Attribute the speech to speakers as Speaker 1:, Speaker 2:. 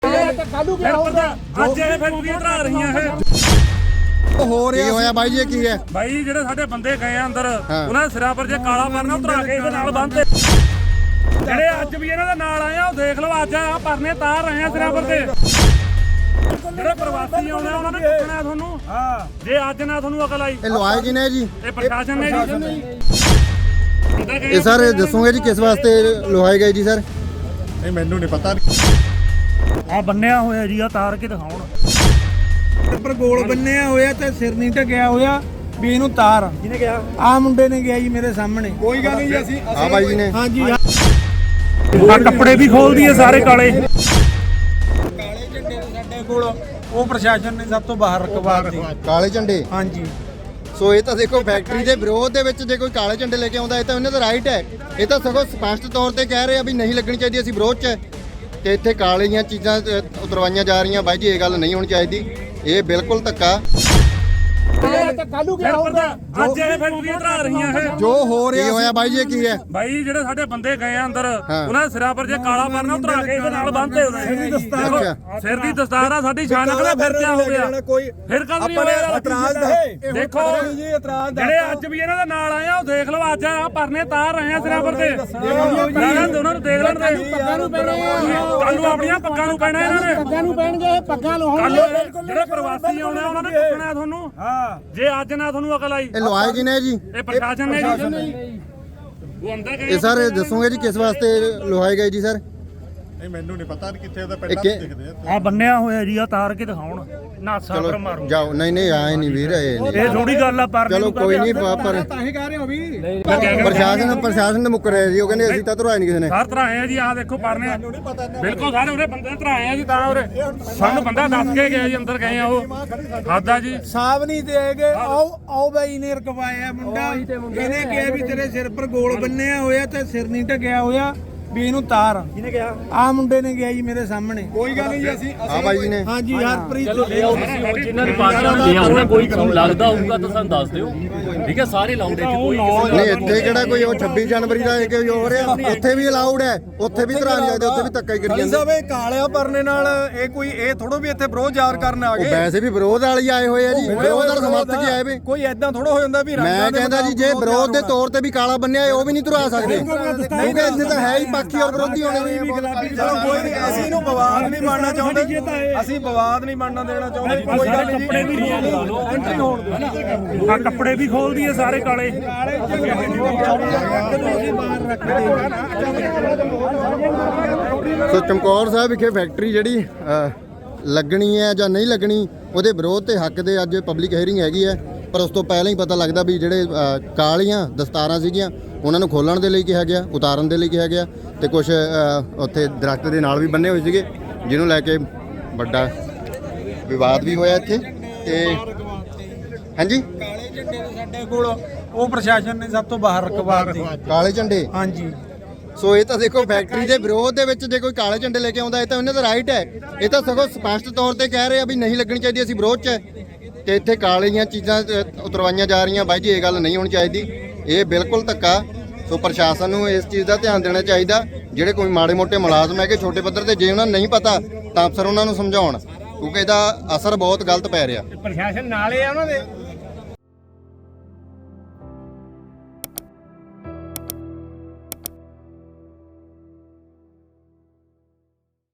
Speaker 1: ਅੱਜ ਇਹ ਫੈਕਟਰੀਆਂ ਧਰਾ ਰਹੀਆਂ
Speaker 2: ਹੋ ਰਿਹਾ ਹੋਇਆ ਬਾਈ ਜੀ ਕੀ ਹੈ
Speaker 1: ਬਾਈ ਜਿਹੜੇ ਸਾਡੇ ਬੰਦੇ ਗਏ ਆ ਅੰਦਰ ਉਹਨਾਂ ਦੇ ਸਿਰਾਂ ਪਰ ਜੇ ਕਾਲਾ ਪਰਨਾ ਉਤਰਾ ਕੇ ਇਹਦੇ ਨਾਲ ਬੰਨ੍ਹਦੇ ਜਿਹੜੇ ਅੱਜ ਵੀ ਇਹਨਾਂ ਦੇ ਨਾਲ ਆਏ ਆ ਉਹ ਦੇਖ ਲਓ ਅੱਜ ਆ ਪਰਨੇ ਤਾਰ ਰਹੇ ਆ ਸਿਰਾਂ ਪਰ ਤੇ ਜਿਹੜੇ ਪ੍ਰਵਾਸੀ ਆਉਣੇ ਉਹਨਾਂ ਨੇ ਪੁੱਛਣਾ ਤੁਹਾਨੂੰ ਜੇ ਅੱਜ ਨਾ ਤੁਹਾਨੂੰ ਅਕਲ ਆਈ
Speaker 2: ਇਹ ਲਵਾਏ ਕਿਨੇ ਜੀ
Speaker 1: ਇਹ ਪ੍ਰਸ਼ਾਸਨ ਨੇ ਜੀ
Speaker 2: ਇਹ ਸਰ ਦੱਸੋਗੇ ਜੀ ਕਿਸ ਵਾਸਤੇ ਲਵਾਏ ਗਏ ਜੀ ਸਰ
Speaker 3: ਨਹੀਂ ਮੈਨੂੰ ਨਹੀਂ ਪਤਾ
Speaker 1: ਆ ਬੰਨਿਆ ਹੋਇਆ ਜੀ ਆ ਤਾਰ ਕੇ ਦਿਖਾਉਣ
Speaker 4: ਪਰ ਗੋਲ ਬੰਨਿਆ ਹੋਇਆ ਤੇ ਸਿਰ ਨਹੀਂ ਢਕਿਆ ਹੋਇਆ ਵੀ ਇਹਨੂੰ ਤਾਰ ਜਿਹਨੇ ਕਿਹਾ ਆ ਮੁੰਡੇ ਨੇ ਗਿਆ ਜੀ ਮੇਰੇ ਸਾਹਮਣੇ
Speaker 3: ਕੋਈ ਗੱਲ ਨਹੀਂ ਜੀ ਅਸੀਂ
Speaker 2: ਆ ਬਾਈ ਜੀ ਨੇ
Speaker 4: ਹਾਂਜੀ
Speaker 1: ਆ ਕੱਪੜੇ ਵੀ ਖੋਲਦੀ ਹੈ ਸਾਰੇ ਕਾਲੇ
Speaker 4: ਕਾਲੇ ਝੰਡੇ ਦੇ ਸਾਡੇ ਕੋਲ ਉਹ ਪ੍ਰਸ਼ਾਸਨ ਨੇ ਸਭ ਤੋਂ ਬਾਹਰ ਰਖਵਾਤੀ
Speaker 2: ਕਾਲੇ ਝੰਡੇ
Speaker 4: ਹਾਂਜੀ
Speaker 2: ਸੋ ਇਹ ਤਾਂ ਦੇਖੋ ਫੈਕਟਰੀ ਦੇ ਵਿਰੋਧ ਦੇ ਵਿੱਚ ਜੇ ਕੋਈ ਕਾਲੇ ਝੰਡੇ ਲੈ ਕੇ ਆਉਂਦਾ ਇਹ ਤਾਂ ਉਹਨਾਂ ਦਾ ਰਾਈਟ ਹੈ ਇਹ ਤਾਂ ਸਗੋਂ ਸਪਸ਼ਟ ਤੌਰ ਤੇ ਕਹਿ ਰਹੇ ਆ ਵੀ ਨਹੀਂ ਲੱਗਣੀ ਚਾਹੀਦੀ ਅਸੀਂ ਵਿਰੋਧ 'ਚ ਤੇ ਇੱਥੇ ਕਾਲੀਆਂ ਚੀਜ਼ਾਂ ਉਤਰਵਾਈਆਂ ਜਾ ਰਹੀਆਂ ਬਾਈ ਜੀ ਇਹ ਗੱਲ ਨਹੀਂ ਹੋਣੀ ਚਾਹੀਦੀ ਇਹ ਬਿਲਕੁਲ ਧੱਕਾ
Speaker 1: ਅੱਜ ਇਹ ਫੈਕਟਰੀਆਂ ਧਰਾ ਰਹੀਆਂ
Speaker 2: ਜੋ ਹੋ ਰਿਹਾ ਹੋਇਆ ਬਾਈ ਜੀ ਕੀ ਹੈ
Speaker 1: ਬਾਈ ਜਿਹੜੇ ਸਾਡੇ ਬੰਦੇ ਗਏ ਆ ਅੰਦਰ ਉਹਨਾਂ ਦੇ ਸਿਰਾਂ ਪਰ ਜੇ ਕਾਲਾ ਪਰਨਾ ਉਤਰਾ ਕੇ ਇਹਦੇ ਨਾਲ ਬੰਨ੍ਹਦੇ ਉਹਨੇ ਸਿਰ ਦੀ ਦਸਤਾਰ ਆ ਸਾਡੀ ਸ਼ਾਨ ਕਦੇ ਫਿਰ ਕਿਆ ਹੋ ਗਿਆ ਫਿਰ ਕਦ ਨਹੀਂ ਹੋਇਆ
Speaker 4: ਇਤਰਾਜ਼ ਹੈ
Speaker 1: ਦੇਖੋ
Speaker 4: ਜੀ ਇਤਰਾਜ਼
Speaker 1: ਜਿਹੜੇ ਅੱਜ ਵੀ ਇਹਨਾਂ ਦੇ ਨਾਲ ਆਏ ਆ ਉਹ ਦੇਖ ਲਓ ਅੱਜ ਆ ਪਰਨੇ ਤਾਰ ਰਹੇ ਆ ਸਿਰਾਂ ਪਰ ਤੇ ਉਹਨਾਂ ਨੂੰ ਦੇਖ ਲੈਣ ਦੇ
Speaker 4: ਪੱਗਾਂ ਨੂੰ ਪੈਣਾ
Speaker 1: ਕੱਲ ਨੂੰ ਆਪਣੀਆਂ ਪੱਗਾਂ ਨੂੰ ਪੈਣਾ ਇਹਨਾਂ ਨੇ
Speaker 4: ਪੱਗਾਂ ਨੂੰ ਪੈਣਗੇ ਪੱਗਾਂ ਲਾਉਣਗੇ
Speaker 1: ਜਿਹੜੇ ਪ੍ਰਵਾਸੀ ਆਉਣੇ ਉਹਨਾਂ ਨੇ ਪੁੱਛਣਾ ਤੁਹਾਨੂੰ ਜੇ ਅੱਜ ਨਾ ਤੁਹਾਨੂੰ ਅਕਲ ਆਈ
Speaker 2: ਇਹ ਲਵਾਏ ਕਿਨੇ ਜੀ
Speaker 1: ਇਹ ਪ੍ਰਸ਼ਾਸਨ ਨੇ ਜੀ ਉਹ ਅੰਦਰ ਗਏ
Speaker 2: ਇਹ ਸਰ ਦੱਸੋਗੇ ਜੀ ਕਿਸ ਵਾਸਤੇ ਲਵਾਏ ਗਏ ਜੀ ਸਰ
Speaker 3: ਨਹੀਂ ਮੈਨੂੰ ਨਹੀਂ ਪਤਾ ਕਿੱਥੇ ਉਹਦਾ ਪਿੰਡਾਂ ਵਿੱਚ ਦਿਖਦੇ ਆ
Speaker 1: ਆ ਬੰਨਿਆ ਹੋਇਆ ਜੀ ਆ ਤਾਰ ਕੇ ਦਿਖਾਉਣ ਨਾਸਾ ਪਰ ਮਾਰੂ
Speaker 2: ਜਾਓ ਨਹੀਂ ਆਏ ਨਹੀਂ ਵੀਰ
Speaker 1: ਇਹ ਥੋੜੀ ਗੱਲ ਆ ਪਰ
Speaker 2: ਚਲੋ ਕੋਈ ਨਹੀਂ ਪਰ
Speaker 4: ਤਾਂ ਹੀ ਕਹਿ ਰਹੇ ਹੋ ਵੀ
Speaker 2: ਪ੍ਰਸ਼ਾਸਨ ਨੇ ਮੁੱਕ ਰਿਹਾ ਜੀ ਉਹ ਕਹਿੰਦੇ ਅਸੀਂ ਤਾਂ ਧਰਵਾਏ ਨਹੀਂ ਕਿਸੇ ਨੇ
Speaker 1: ਸਾਰ ਧਰਾਏ ਆ ਜੀ ਆ ਦੇਖੋ ਪਰਨੇ ਬਿਲਕੁਲ ਸਾਰੇ ਉਹਦੇ ਬੰਦੇ ਧਰਾਏ ਆ ਜੀ ਤਾਂ ਉਰੇ ਸਾਨੂੰ ਬੰਦਾ ਦੱਸ ਕੇ ਗਿਆ ਜੀ ਅੰਦਰ ਗਏ ਆ ਉਹ ਖਾਦਾ ਜੀ
Speaker 4: ਸਾਬ ਨਹੀਂ ਦੇਗੇ ਆਓ ਬਾਈ ਨੇ ਰਕਵਾਇਆ ਮੁੰਡਾ ਇਹਨੇ ਕਿਹਾ ਵੀ ਤੇਰੇ ਸਿਰ ਪਰ ਗੋਲ ਬੰਨਿਆ ਹੋਇਆ ਤੇ ਸਿਰ ਨਹੀਂ ਢਕਿਆ ਹੋਇਆ ਵੀ ਇਹਨੂੰ ਤਾਰ ਜਿਹਨੇ ਕਿਹਾ ਆ ਮੁੰਡੇ ਨੇ ਗਿਆ ਜੀ ਮੇਰੇ ਸਾਹਮਣੇ
Speaker 3: ਕੋਈ ਗੱਲ ਨਹੀਂ ਜੀ ਅਸੀਂ
Speaker 2: ਆ ਬਾਈ ਜੀ ਨੇ
Speaker 4: ਹਾਂਜੀ ਹਰਪ੍ਰੀਤ
Speaker 5: ਜਿਨ੍ਹਾਂ ਨੇ ਪਾਰਟੀਆਂ ਦੀਆਂ ਉਹਨਾਂ ਕੋਈ ਤੁਹਾਨੂੰ ਲੱਗਦਾ ਹੋਊਗਾ ਤਾਂ ਸਾਨੂੰ ਦੱਸ ਦਿਓ ਠੀਕ ਹੈ ਸਾਰੇ ਲਾਉਂਦੇ ਕਿ ਕੋਈ
Speaker 2: ਨਹੀਂ ਇੱਥੇ ਕਿਹੜਾ ਕੋਈ ਉਹ 26 ਜਨਵਰੀ ਦਾ ਇਹ ਹੋ ਰਿਹਾ ਉੱਥੇ ਵੀ ਅਲਾਉਡ ਹੈ ਉੱਥੇ ਵੀ ਧਰਾਂ ਜਾਂਦੇ ਉੱਥੇ ਵੀ ਧੱਕਾ ਹੀ ਕਰੀ ਜਾਂਦੇ
Speaker 3: ਸਾਹਿਬ ਇਹ ਕਾਲਿਆ ਪਰਨੇ ਨਾਲ ਇਹ ਕੋਈ ਇਹ ਥੋੜੋ ਵੀ ਇੱਥੇ ਵਿਰੋਧ ਜ਼ਾਹਰ ਕਰਨ ਆ
Speaker 2: ਉਹ
Speaker 3: ਗਏ
Speaker 2: ਵੈਸੇ ਵੀ ਵਿਰੋਧ ਵਾਲੇ ਆਏ ਹੋਏ ਆ ਜੀ ਵਿਰੋਧ ਦਾ ਸਮਰਥਕ ਆਏ ਵੇ
Speaker 3: ਕੋਈ ਐਦਾਂ ਥੋੜਾ ਹੋ ਜਾਂਦਾ ਵੀ
Speaker 2: ਮੈਂ ਕਹਿੰਦਾ ਜੀ ਜੇ ਵਿਰੋਧ ਦੇ ਤੌਰ ਤੇ ਵੀ ਕਾਲਾ ਬੰਨਿਆ ਉਹ ਵੀ ਨਹੀਂ ਧਰਾ ਸਕਦੇ ਕਿਉਂਕਿ ਇੱਥੇ ਤਾਂ ਹੈ ਹੀ ਪੱਖੀ ਔਰ ਵਿਰੋਧੀ ਹੋਣੇ
Speaker 3: ਚਲੋ ਕੋਈ ਨਹੀਂ ਅਸੀਂ ਇਹਨੂੰ ਵਿਵਾਦ ਨਹੀਂ ਬਣਨਾ ਚਾਹੁੰਦੇ ਅਸੀਂ ਵਿਵਾਦ ਨਹੀਂ ਬਣਨਾ ਦੇਣਾ ਚਾਹੁੰਦੇ ਕੋਈ ਗੱਲ ਨਹੀਂ
Speaker 1: ਕੱਪੜੇ ਵੀ ਐਂਟਰੀ ਹੋਣ ਦੇ ਆ ਕੱਪੜੇ ਵੀ ਖੋਲਦੀ ਹੈ ਸਾਰੇ ਕਾਲੇ
Speaker 2: ਸੋ ਚਮਕੌਰ ਸਾਹਿਬ ਵਿਖੇ ਫੈਕਟਰੀ ਜਿਹੜੀ ਲੱਗਣੀ ਹੈ ਜਾਂ ਨਹੀਂ ਲੱਗਣੀ ਉਹਦੇ ਵਿਰੋਧ ਤੇ ਹੱਕ ਦੇ ਅੱਜ ਪਬਲਿਕ ਹੀਅਰਿੰਗ ਹੈਗੀ ਹੈ ਪਰ ਉਸ ਤੋਂ ਪਹਿਲਾਂ ਹੀ ਪਤਾ ਲੱਗਦਾ ਵੀ ਜਿਹੜੇ ਕਾਲੀਆਂ ਦਸਤਾਰਾਂ ਸੀਗੀਆਂ ਉਹਨਾਂ ਨੂੰ ਖੋਲਣ ਦੇ ਲਈ ਕਿਹਾ ਗਿਆ ਉਤਾਰਨ ਦੇ ਲਈ ਕਿਹਾ ਗਿਆ ਤੇ ਕੁਝ ਉੱਥੇ ਦਰਖਤ ਦੇ ਨਾਲ ਵੀ ਬੰਨੇ ਹੋਏ ਸੀਗੇ ਜਿਹਨੂੰ ਲੈ ਕੇ ਵੱਡਾ ਵਿਵਾਦ ਵੀ ਹੋਇਆ ਇੱਥੇ ਤੇ ਹਾਂਜੀ
Speaker 4: ਕਾਲੇ ਝੰਡੇ ਦੇ ਸਾਡੇ ਕੋਲ ਉਹ ਪ੍ਰਸ਼ਾਸਨ ਨੇ ਸਭ ਤੋਂ ਬਾਹਰ ਰਖਵਾਤੀ
Speaker 2: ਕਾਲੇ ਝੰਡੇ
Speaker 4: ਹਾਂਜੀ
Speaker 2: ਸੋ ਇਹ ਤਾਂ ਦੇਖੋ ਫੈਕਟਰੀ ਦੇ ਵਿਰੋਧ ਦੇ ਵਿੱਚ ਜੇ ਕੋਈ ਕਾਲੇ ਝੰਡੇ ਲੈ ਕੇ ਆਉਂਦਾ ਇਹ ਤਾਂ ਉਹਨਾਂ ਦਾ ਰਾਈਟ ਹੈ ਇਹ ਤਾਂ ਸਗੋਂ ਸਪਸ਼ਟ ਤੌਰ ਤੇ ਕਹਿ ਰਹੇ ਆ ਵੀ ਨਹੀਂ ਲੱਗਣੀ ਚਾਹੀਦੀ ਅਸੀਂ ਵਿਰੋਧ 'ਚ ਤੇ ਇੱਥੇ ਕਾਲੀਆਂ ਚੀਜ਼ਾਂ ਉਤਰਵਾਈਆਂ ਜਾ ਰਹੀਆਂ ਬਾਈ ਜੀ ਇਹ ਗੱਲ ਨਹੀਂ ਹੋਣੀ ਚਾਹੀਦੀ ਇਹ ਬਿਲਕੁਲ ਧੱਕਾ ਸੋ ਪ੍ਰਸ਼ਾਸਨ ਨੂੰ ਇਸ ਚੀਜ਼ ਦਾ ਧਿਆਨ ਦੇਣਾ ਚਾਹੀਦਾ ਜਿਹੜੇ ਕੋਈ ਮਾੜੇ ਮੋਟੇ ਮੁਲਾਜ਼ਮ ਹੈਗੇ ਛੋਟੇ ਪੱਧਰ ਤੇ ਜੇ ਉਹਨਾਂ ਨੂੰ ਨਹੀਂ ਪਤਾ ਤਾਂ ਅਫਸਰ ਉਹਨਾਂ ਨੂੰ ਸਮਝਾਉਣ ਕਿਉਂਕਿ ਇਹਦਾ ਅਸਰ ਬਹੁਤ ਗਲਤ ਪੈ ਰਿਹਾ
Speaker 4: ਪ੍ਰਸ਼ਾਸਨ ਨਾਲੇ ਆ ਉਹਨਾਂ ਦੇ